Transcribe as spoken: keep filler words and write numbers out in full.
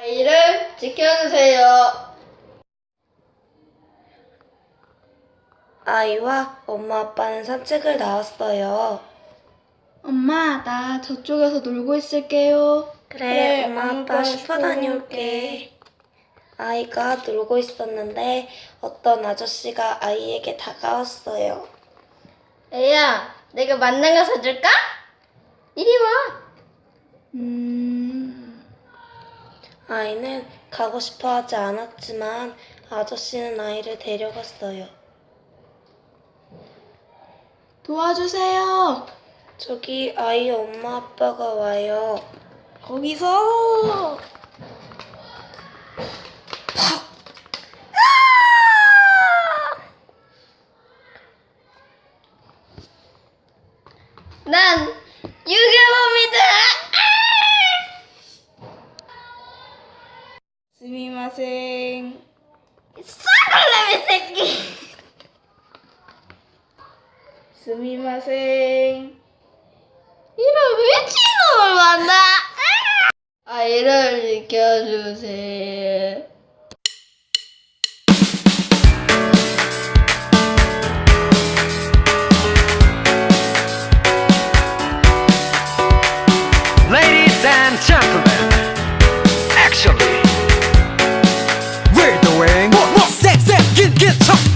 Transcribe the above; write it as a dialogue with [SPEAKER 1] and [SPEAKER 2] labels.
[SPEAKER 1] 아이를 지켜주세요.
[SPEAKER 2] 아이와 엄마 아빠는 산책을 나왔어요.
[SPEAKER 3] 엄마, 나 저쪽에서 놀고 있을게요.
[SPEAKER 2] 그래, 엄마 아빠 슈퍼 다녀올게. 아이가 놀고 있었는데 어떤 아저씨가 아이에게 다가왔어요.
[SPEAKER 1] 애야, 내가 만난 거 사줄까? 이리 와.
[SPEAKER 3] 음,
[SPEAKER 2] 아이는 가고 싶어 하지 않았지만 아저씨는 아이를 데려갔어요.
[SPEAKER 3] 도와주세요.
[SPEAKER 2] 저기 아이 엄마 아빠가 와요.
[SPEAKER 3] 거기서.
[SPEAKER 1] 난 유괴범이다.
[SPEAKER 3] 스미마생.
[SPEAKER 1] 싸갈래미 새끼.
[SPEAKER 3] 스미마생.
[SPEAKER 1] 이런 미친놈을 만나. 아이를 지켜주세요.
[SPEAKER 4] Ladies and gentlemen, actually,
[SPEAKER 5] we're doing more, more, 색, 색, 긴, 긴, 척.